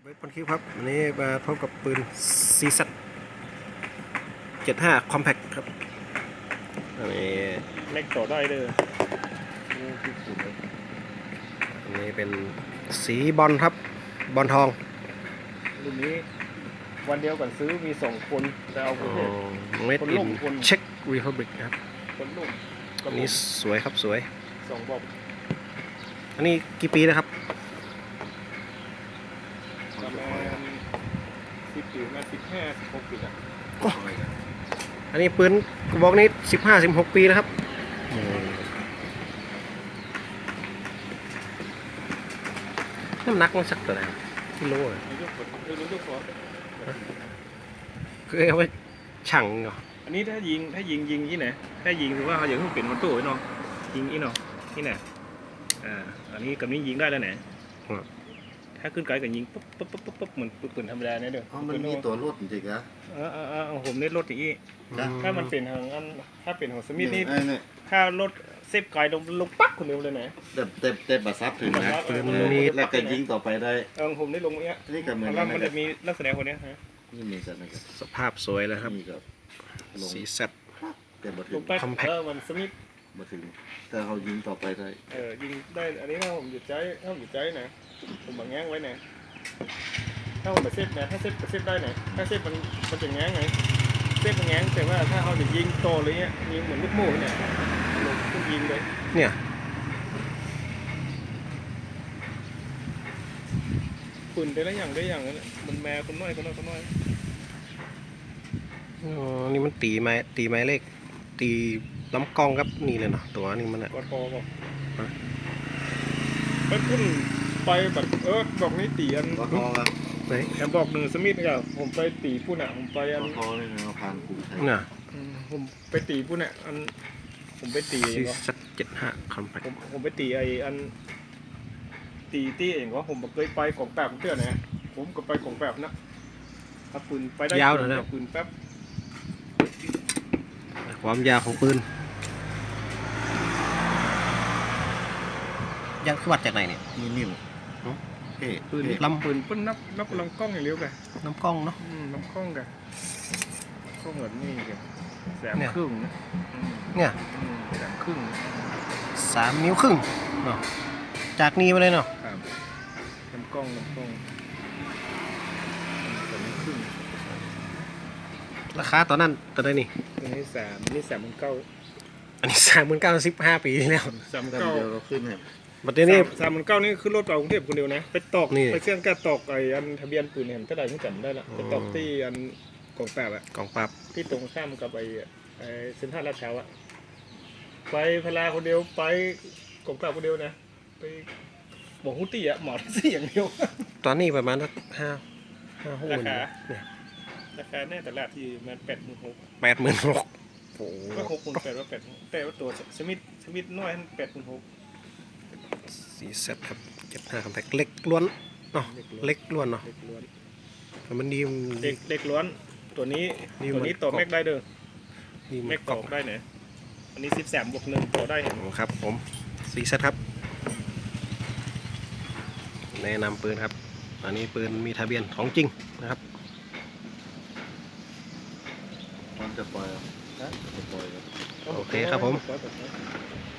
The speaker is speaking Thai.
เบสบอลคิวครับวันนี้มาพบกับปืนซีซัต75 Compact ครับอันนี้เล็กต่อได้เลยอันนี้เป็นสีบอลครับบอลทองรุ่นนี้วันเดียวกันซื้อมี2คนแต่เอาคนเมดอินเช็กรีพับลิกครับคนลุ่มอันนี้สวยครับสวย 2บอกอันนี้กี่ปีนะครับประมาณ10 ปีมา15-16 ปีอ่ะอันนี้ปืนกระบอกนี้15-16 ปีนะครับน้ำหนักมันสักเท่าไหร่กิโลอ่ะคือเอาไว้ชั่งเหรออันนี้ถ้ายิงที่ไหนถ้ายิงถือว่าเขาอย่างที่เป็นมันตู้ไว้เนาะยิงอีเนาะที่ไหนอันนี้กับนี้ยิงได้แล้วไหนถ้าขึ้นไกลกับยิงปุ๊บเหมือนปืนธรรมดาเนี่ยเด้อมันมีตัวรถจริงๆนะผมเน้นรถอย่างนี้ถ้ามันเป็นทางอันถ้าเป็นของสมิธนี่ถ้ารถเซฟไกลลงปักคนเดียวเลยไหนเต็มบัตรซับถึงนะแล้วก็ยิงต่อไปได้ผมได้ลงเนี้ยนี่ก็เหมือนมันจะมีลักษณะคนนี้ฮะนี่มีสัตว์นะครับสภาพสวยเลยครับสีแซ่บลงปักมันสมิธมาถึงแต่เขายิงต่อไปได้ยิงได้อันนี้ถ้าผมหยุดใจนะผมมาแง้งไว้นะถ้าผมมาเซฟนะถ้าเซฟได้นะถ้าเซฟมันจะแง้งไงเซฟมันแง้งแต่ว่าถ้าเขาจะยิงโตเลยเนี้ยยิงเหมือนลูกโม่เนี่ยลงขึ้นยิงเลยเนี่ยปืนได้แล้วอย่างนั้นมันแม่คนน้อยนี่มันตีไม้เล็กตีล้ำกล้องครับนี่เลยเนาะตัวนี้มันอะกอดคอบอกไปพุ่นไปแบบบอกนี้ตีอันไหนแอมบอกหนึ่งสมิธครับผมไปตีพุ่นอ่ะผมไปอันคอนี่เราผ่านกลุ่มไทยน่ะผมไปตีพุ่นอ่ะอันผมไปตีก็75 Compact ผมไปตีอันตีเองว่าผมเคยไปของแป๊บเพื่อนนะผมก็ไปของแป๊บนะถ้าปืนไปได้ยาวเลยนะปืนแป๊บความยาวของปืนยังขวัดจากไหนเนี่ยนิ่มปืนลำปืนปืนนับลำกล้องอย่างเร็วกันน้ำกล้องเนาะน้ำกล้องกันกล้องแบบนี้กัน3 ครึ่งเนี่ย 3 ครึ่ง 3 นิ้วครึ่งเนาะจากนี้มาเลยเนาะน้ำกล้อง3 นิ้วครึ่งราคาตอนนั้นตอนไหนนี่อันนี้39,000 อันนี้39,000 15 ปีแล้ว 39,000 เดียวเราขึ้นเนี่ยบัดนี้ 39,000นี่คือรถเรากรุงเทพคนเดียวนะไปตอกไปเชื่อมกระตอกไอ้อันทะเบียนปืนเห็นก็ได้ที่จำได้ละไปตอกที่อันกองปราบอะกองปราบที่ตรงข้ามกับไอ้เซ็นทรัลลาดพร้าวอะไปพลาคนเดียวไปกองปราบคนเดียวนะไปบอกฮุตี้อะหมอที่อย่างเดียวตอนนี้ประมาณสัก5 หุ้นเนี่ยราคาแน่แต่ละที่มัน86,000 โอ้โหก็6,800ว่า8แต่ว่าตัวสมิธน้อย86,000 สีเซ็ตครับ75 Compact เล็กล้วนเนาะเล็กล้วนเนาะแต่มันดีเล็กล้วนตัวนี้ต่อแม็กได้เด้อแม็กต่อได้เนี่ยอันนี้13+1ต่อได้เห็นครับผมสีเซ็ตครับแนะนำปืนครับอันนี้ปืนมีทะเบียนของจริงนะครับมันจะปล่อยโอเคครับผม